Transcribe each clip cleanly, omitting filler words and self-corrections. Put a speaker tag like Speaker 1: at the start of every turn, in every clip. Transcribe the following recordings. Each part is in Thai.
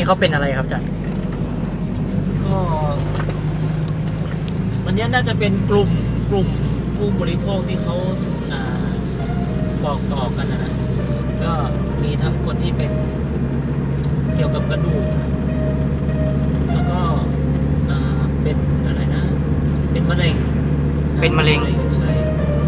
Speaker 1: เขาเป็นอะไรครับอาจารย์
Speaker 2: ก็วันนี้น่าจะเป็นกลุ่มผู้บริโภคที่เขาบอกต่อกันนะก็มีทั้งคนที่เป็นเกี่ยวกับกระดูกแล้วก็เป็นอะไรนะเป็นมะเร็งใช่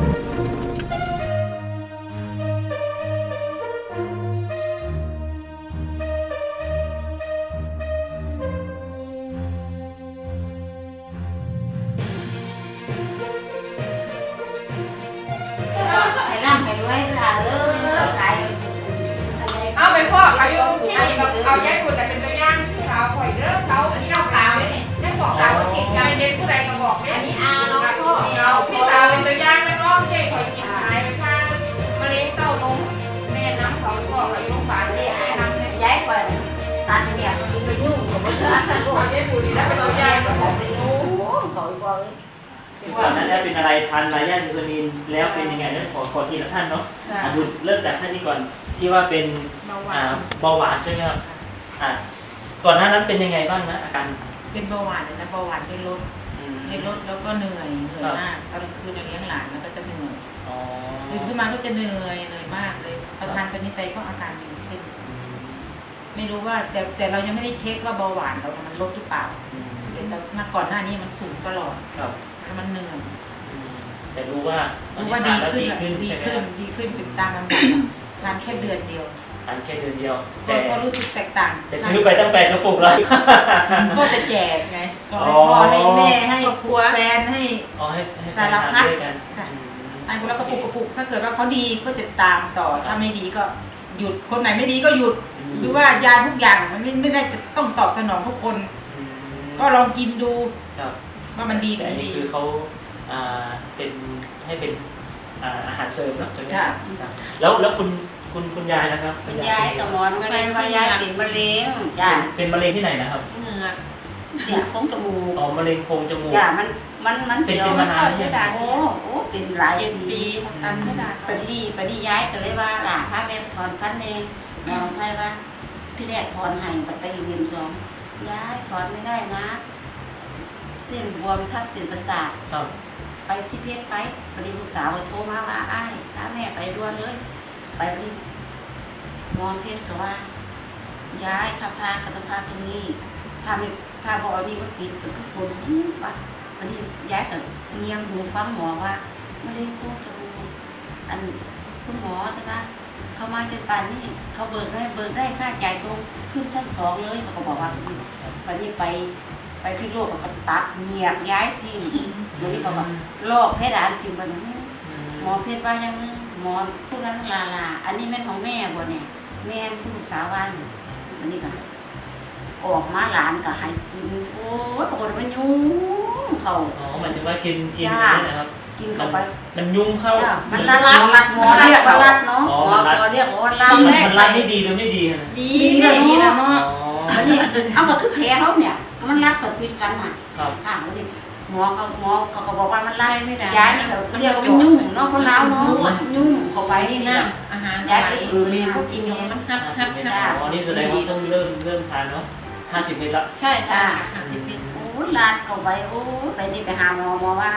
Speaker 3: เอาไปพ่ออายุที่เอาแยกกุดแต่เป็นตัวอย่างสาวข่อยเด้อสาวอันนี้น้องสาวเนี่ยแม่บอกสาวว่ากินไก่เด็กผู้ใดก็บอกเนี่ยอันนี้อาน้องพ่อเอาพี่สาวเป็นตัวอย่างไม่ร้องเด็กข่อยกินหายไปข้างมะเร็งเต้านมแม่น้ำเขาบอกอายุฝานเนี่ยแม่น้ำเนี่ยย้ายข่อยตัดเนี่ยกินไปยุ่งกับมันสนุกเอาแยกกุดแล้วเป็นตัวอย่างก็บอกไปยุ่งข่อยบอก
Speaker 2: ก่อนหน้านี้เป็นอะไรทานไลยาซูซามีนแล้วเป็นยังไงนั้นขอทีละท่านเนาะดูเริ่มจากท่านนี้ก่อนที่ว่าเป็นเบาหวานใช่ไหมครับก่อนหน้านั้นเป็นยังไงบ้างนะอาการ
Speaker 4: เป็นเบาหวานเลยนะเบาหวานเป็นลดแล้วก็เหนื่อยมากตอนกลางคืนเราเลี้ยงหลานแล้วก็จะเหนื่อยตื่นขึ้นมาก็จะเหนื่อยมากเลยพอทานตัวนี้ไปก็อาการดีขึ้นไม่รู้ว่าแต่เรายังไม่ได้เช็คว่าเบาหวานเรามันลดหรือเปล่าแต่ก่อนหน้านี้มันสูงตลอดแล้วมันเหนื่อย
Speaker 2: แต่รู้ว่า
Speaker 4: ดีขึ้นติดตามลำดับทานแค่เดือนเดียวก็รู้สึกแตกต่าง
Speaker 2: แต่ซื้อไปตั้ง8 กระปุกแล้ว
Speaker 4: ก็จะแจกไงก็ให้พ่อให้แม่ให้แฟนให้สารพัดอันคนละกระปุกถ้าเกิดว่าเขาดีก็จะตามต่อถ้าไม่ดีก็หยุดคนไหนไม่ดีก็หยุดหรือว่ายาทุกอย่างมันไม่ได้ต้องตอบสนองทุกคนก็ลองกินดูว่ามันดี
Speaker 2: แต่อันนี้คือเขาเป็นให้เป็นอาหารเสริมเนาะถูกไหมแล้วคุณยายนะครับ
Speaker 3: คุณยายกับหมอนเป็นว่ายายเป็นมะเร็งจ้ะ
Speaker 2: เป็นมะเร็งที่ไหนนะครับ
Speaker 3: เหงือกเสียโพรงจมูก
Speaker 2: มะเร็งโพรงจมูก
Speaker 3: จ้ะมันเสียว
Speaker 2: มานานแล้ว
Speaker 3: โอ้เป็นหลายปีตันไม่ได้ปฏิย้ายก็เลยว่าล่ะพระแม่ถอนพันเองมองให้ว่าที่แรกถอนให้ไปเรียน2ย้ายถอนไม่ได้นะเส้นบวมทับเส้นประสาทไปที่เพชรไปพอดีลูกสาวโทรมาว่าอ้ายพาแม่ไปด่วนเลยไปพอดีมองเพชรก็ว่าย้ายถ้าพากระต้องพาตรงนี้ถ้าบอกนี่มันปิดก็คือคนว่าวันนี้ย้ายกับเงียงหูฟังหมอว่าไม่ได้พูดกับอันคุณหมอจะนะเขามาจนป่านนี่เขาเบิกได้ค่าจ่ายตรงขึ้นชั้น2เลยเขาก็บอกว่าวันนี้ไปที่โลกก็ตัดเงียบย้ายทีวันนี้เขาบอกลอกเพดานทีมันหมอเพชรว่ายังหมอพูดนั้นลาอันนี้แม่ของแม่บ่เนี่ยแม่ผู้ลูกสาวว่าเนี่ยวันนี้ก็ออกมาหลานก็ให้กินโอ้ยปรากฏว่ายุ่งเขา
Speaker 2: หมายถึงว่ากินนะครับ
Speaker 3: กินเข้าไป
Speaker 2: มันยุ่งเข้า
Speaker 3: มันรัดหมอเรียกว่ารัดเนาะหมอเรียกว่ารัด
Speaker 2: มันรัดไม่ดีหรือไม่ดี
Speaker 3: ดีนะเนาะวันนี้เอามาคือแผลเขาเนี่ยมันรัดกับติดกันอ่ะวันนี้หมอเขาบอกว่ามันไล่ไม่ได้ย้ายนี่เขาเรียกว่ายุ่งเนาะคนลาวเนาะยุ่งเข้าไปนี่นะ
Speaker 4: อาหาร
Speaker 3: ย้ายก็อยู่นี่
Speaker 4: ก็กินอยู่มันคับ
Speaker 2: นี่แสดงว่าต้องเริ่มทานเนาะ50 เม็ดละ
Speaker 4: ใช่จ้ะ50 เม็ด
Speaker 3: โอ้ยลาดเข้าไปโอ้ยไปนี่ไปหาหมอว่า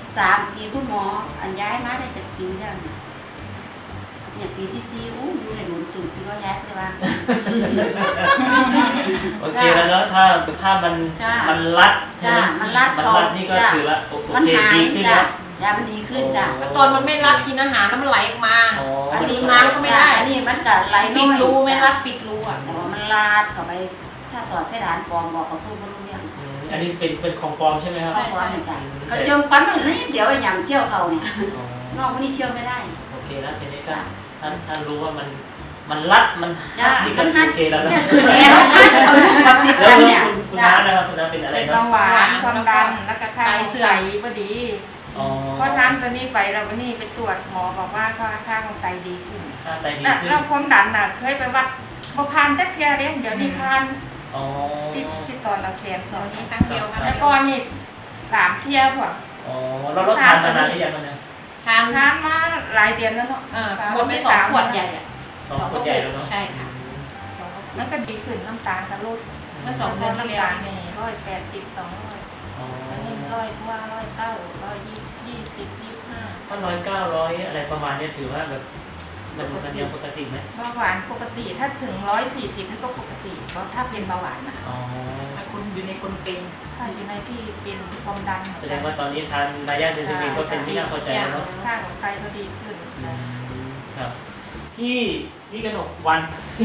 Speaker 3: 3 ปีคุณหมออันย้ายมาได้7 ปีแล้วเนี่ยปีที่4อู้อยู่ในหลุมตื่นพี่ก็ย้ายเลยว่า
Speaker 2: โอเคแล้วเนาะถ้ามันรัด
Speaker 3: มันรัด
Speaker 2: นี่ก็ถือว่าโอเคดีขึ้น
Speaker 3: แล้วยามันดีขึ้นจ้ะ
Speaker 4: ตอนมันไม่รัดกินอาหารแล้วมันไหลออกมาอันนี้น้ำก็ไม่ได้
Speaker 3: อันนี้มันก็ไหล
Speaker 4: ปิดรูไม่รัดปิดรูอ่ะ
Speaker 3: มันลาดเข้าไปถ้าถอดเพดานปลอมบอกเขาพูดไม่รู้เรื่อง
Speaker 2: อันนี้เป็นของปลอมใช่ไหมครับ
Speaker 3: ของปลอมจ้ะเขาเจิมฟันเลยนี่เดี๋ยวไอ้หยำเที่ยวเขาเนี่ยนอกวันนี้เที่ยวไม่ได้
Speaker 2: โอเคแล้วทีนี้ก็ท่านรู้ว่ามันรัดมัน
Speaker 3: นี่ก็โอเคแล้วนะแล้ว
Speaker 2: คุณน้านะครับคุณน้าเป็นอะไร
Speaker 5: เป็นเบาหวานความดันแล้วก็ค่าของไตพอดีพอทานตัวนี้ไปเราวันนี้ไปตรวจหมอบอกว่าค่าของไตดีขึ้นแล้วความดันน่ะเคยไปวัดพอพานแค่เทียเดียวนี้พานที่ตอนเราแขนตอน
Speaker 4: นี้ตั้งเดียวกัน
Speaker 5: แล้วก่อนนี่3 เที่ยพวก
Speaker 2: เราทานมานานหรือยังเนี่ย
Speaker 5: ทานมาหลายเดือนแล้วเนาะ
Speaker 4: หมดไป2 ขวดใหญ่
Speaker 2: 2 ขวดใหญ่แล้วเนาะ
Speaker 4: ใช่ค่ะ2 ขวด
Speaker 5: มันก็ดีขึ้นน้ำตาลกับลด
Speaker 4: ก็2 เดือนที่แล้ว
Speaker 5: นี่180 200อันนี้100 ก็
Speaker 2: 100-900อะไรประมาณนี้ถือว่าแบบมันยังปกติไหม
Speaker 5: เบาหวานปกติถ้าถึง140มันก็ปกติเพราะถ้าเป็นเบาหวานนะ
Speaker 2: อ๋อ
Speaker 4: ถ้าคุณอยู่ในคนเป็น
Speaker 5: ถ้าอยู่ในที่เป็นความดัน
Speaker 2: แสดงว่าตอนนี้ทานนายาเซซามินก็เป็นที่น่าพอใจแล้วเนาะ
Speaker 5: ค่าของไตก็ดีขึ้น
Speaker 2: ครับพี่กนกวัน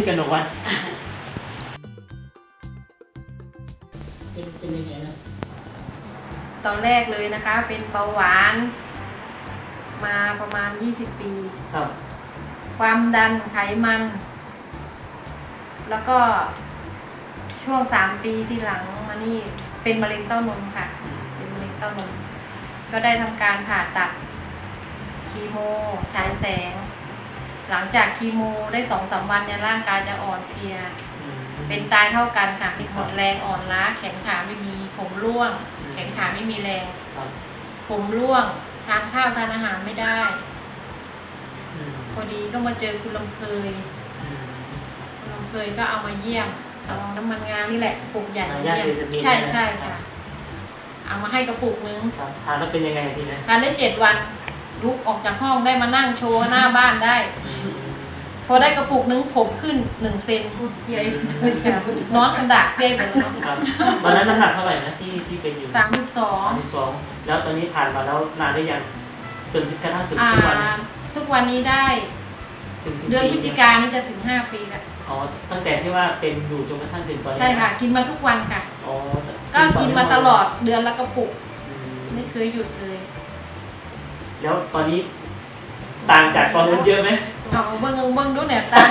Speaker 2: เป็นยังไงนะ
Speaker 1: ตอนแรกเลยนะคะ เป็นเบาหวาน มาประมาณ20 ปี
Speaker 2: ครับ
Speaker 1: ความดันไขมัน แล้วก็ช่วง3 ปีที่หลังมานี่เป็นมะเร็งเต้านมค่ะ เป็นมะเร็งเต้านมก็ได้ทำการผ่าตัดคีโมฉายแสง หลังจากคีโมได้2-3 วันเนี่ยร่างกายจะอ่อนเพลีย เป็นตายเท่ากันค่ะหมดแรงอ่อนล้าแขนขาไม่มีผมร่วง แขนขาไม่มีแรง ผมร่วงทานข้าวทานอาหารไม่ได้พอดีก็มาเจอคุณลำเพยคุณลำเพยก็เอามาเยี่ยมเอาน้ำมันงานี่แหละกระปุกใหญ่เยี่ยมใช่ค่ะเอามาให้กระปุกนึง
Speaker 2: ทานแล้วเป็นยังไงทีนี้
Speaker 1: ทานได้7 วันลุกออกจากห้องได้มานั่งโชว์หน้าบ้านได้พอได้กระปุกนึงผมขึ้น1 เซนนอนกันดากเจ๊ไปแล้วเนาะ
Speaker 2: วันนั้นน้ำหนักเท่าไหร่นะที่เป็นอยู่
Speaker 1: 32
Speaker 2: แล้วตอนนี้ผ่านมาแล้วนานได้ยังจนกระทั่งถึงทุกวันนี้
Speaker 1: ทุกวันนี้ได้เดือนพฤศจิกายนนี่จะถึง5 ปีแล้ว
Speaker 2: อ๋อตั้งแต่ที่ว่าเป็นอยู่จนกระทั่งถึงตอนนี้
Speaker 1: ใช่ค่ะ กินมาทุกวันค่ะ
Speaker 2: อ๋อ
Speaker 1: ก็กินมาตลอดเดือนละกระปุกไม่เคยหยุดเลย
Speaker 2: แล้วตอนนี้ต่างจากตอนนั้นเยอะไหม
Speaker 1: เอาเบิ้งดูเนี่ยตาม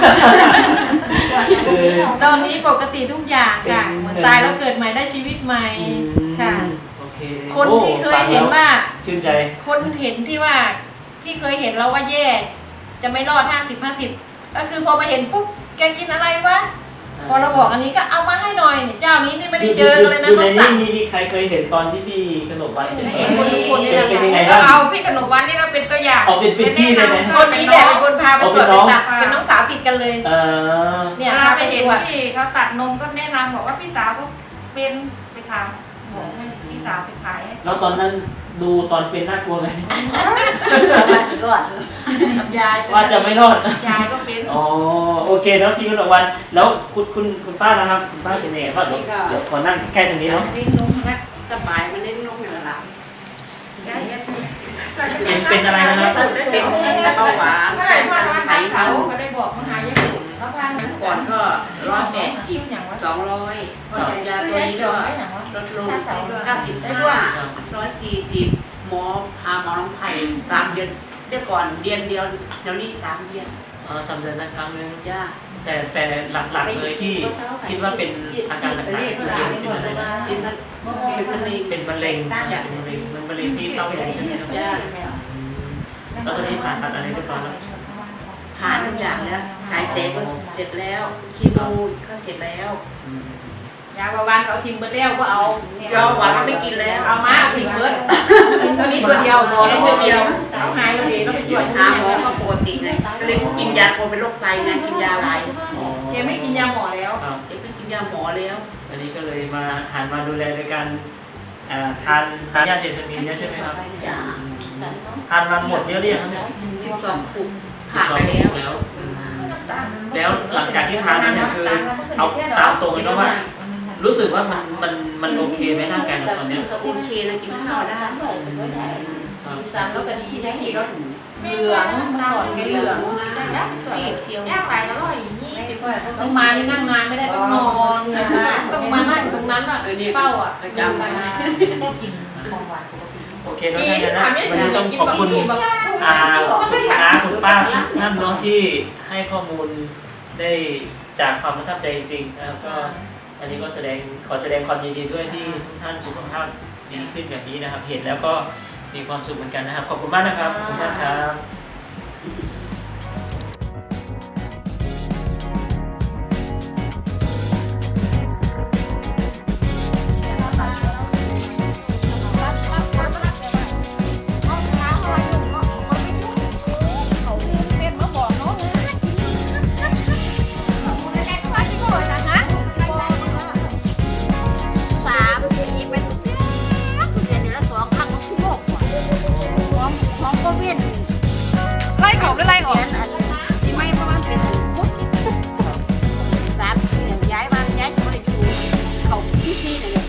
Speaker 1: ตอนนี้ปกติทุกอย่างค่ะเหมือนตายแล้วเกิดใหม่ได้ชีวิตใหม่ค่ะ
Speaker 2: โอเค
Speaker 1: คนที่เคยเห็นว่า
Speaker 2: ชื่นใจ
Speaker 1: คนเห็นที่ว่าที่เคยเห็นเราว่าแย่จะไม่รอด50-50ก็คือพอมาเห็นปุ๊บแกกินอะไรวะพอเราบอกอันนี้ก็เอามาให้หน่อยเนี่ยเจ้านี้นี่ไม่ได้เจอกันเลยนะเขาสั่ง
Speaker 2: มีใครเคยเห็นตอนที่พี่กนกวัน
Speaker 1: เห็นคนทุกคนนี่แหละ
Speaker 2: เป็นยังไง
Speaker 5: ก็
Speaker 2: บ้าง
Speaker 5: เอาพี่ขนมวันนี่เราเป็นตัวอย่าง
Speaker 2: เอาเป็นพี่เลยไหม
Speaker 1: คนนี้แหละเป็นคนพาไปตรวจเป็นตับเป็นน้องสาวติดกันเลย เนี่ย
Speaker 5: เรา
Speaker 1: พา
Speaker 5: ไป
Speaker 1: ไป
Speaker 5: เห็
Speaker 1: ต
Speaker 5: น
Speaker 1: รวจ
Speaker 5: ที่เขาตัดนมก็แนะนำบอกว่าพี่สาวก็เป็นไปทำบอกให้พี่สาวไปขายให้
Speaker 2: แล้วตอนนั้นดูตอนเป็นน่ากลัวไหม
Speaker 1: กับยาย
Speaker 2: ว่าจะไม่รอด
Speaker 5: ยายก็เป็น
Speaker 2: อ๋อโอเคเนาะพี่กนกวันแล้วคุณป้านะครับคุณป้าเป็นยังไงบ้างเดี๋ยวขอนั่งแค่ตรงนี้เนาะ
Speaker 3: เล่นนมนะสบายมันเล่นนมอยู่แล้วล่ะ
Speaker 2: เป็นอะไรนะครับ
Speaker 3: เป็นเบาหวาน
Speaker 5: เมื่อไหร่พ่อร้านเขาก็ได้บอกมาหายายบุ๋มแล้วพาหนัง
Speaker 3: ก่อนก็180
Speaker 5: อย่างว่า
Speaker 3: 200พอทานยาตัวนี้ก็ลดลง95 140หมอพาหมอน้องไผ่3 เดือนเดี๋ยวก่อนเดือนเดียวเดี๋ยวนี้3 เดือน
Speaker 2: 3 เดือนนะครั้งนึง
Speaker 3: จ้า
Speaker 2: แต่หลักๆเลยที่คิดว่าเป็นอาการหนักๆคือเป็นอะไรนะ
Speaker 3: เป็นมะเร็ง
Speaker 2: เป็นมะเร็งที่เต้านมใช่ไหมครับ
Speaker 3: จ้า
Speaker 2: แล้วตอนนี้ผ่าตัดอะไรเรียบร้อยแล้ว
Speaker 3: ผ่านทุกอย่างแล้วฉายแสงก็เสร็จแล้วคีโมก็เสร็จแล้ว
Speaker 1: ยาเบาหวานเขาทิมเบอร์เลี้ยวก็เอา
Speaker 3: เราหวานเราไม่กินแล้ว
Speaker 1: เอามาทิมเบอร์กินตัวนี้ตัวเดียวหมอนี่ตัวเดียวเอาหายแล้วเดี๋ยวเราไปตรวจ
Speaker 3: หาหมอก็ปกติเลยก็เลยกินยาคนเป็นโรคไตไงกินยาหลาย
Speaker 1: แกไม่กินยาหมอแล้ว
Speaker 2: ครับ
Speaker 3: เอ็ไม่กินยาหมอแล้ว
Speaker 2: อันนี้ก็เลยมาหันมาดูแลโดยการทานยาเซซามินเนี่ยใช่ไหมครับ
Speaker 3: จ้า
Speaker 2: ทานมาหมดเยอะหรือยังครับเนี่ย
Speaker 3: 12 ปุกผ่านไปแล้ว
Speaker 2: แล้วหลังจากที่ทานนั้นเนี่ยคือเอาตามตรงเลยนะว่า รู้สึกว่ามันโอเคไหมร่างกายเราตอนเนี้ย
Speaker 3: ก็โอเคนะกินข้าวได้
Speaker 1: สีสันแล้วก็ดีได้กี่รสเหลืองเมื่อก่อนแกเหลือง
Speaker 3: จีบเชียว
Speaker 5: ย่างไปก็120
Speaker 1: ต้องมานี่นั่งนานไม่ได้ต้องนอนต้องมานั่งอยู่ตรงนั้นอ่ะเฝ้าอ่ะ
Speaker 3: จำไว้
Speaker 4: ก็กินของหวานปกติ
Speaker 2: โอเคแล้วท่านนะวันนี้ต้องขอบคุณคุณน้าคุณป้าทุกท่านเนาะที่ให้ข้อมูลได้จากความประทับใจจริงๆนะครับก็อันนี้ก็ขอแสดงความยินดีด้วยที่ทุกท่านสุขภาพดีขึ้นแบบนี้นะครับ เห็นแล้วก็มีความสุขเหมือนกันนะครับขอบคุณมากนะครับขอบคุณมากครับ
Speaker 3: ของโควิด
Speaker 5: ไล่เขาหรือไล่ออก
Speaker 3: ไม่เพราะมันเป็นโควิด3 ปีเนี่ยย้ายจะไม่ได้อยู่เขาพี่ซีเนี่ย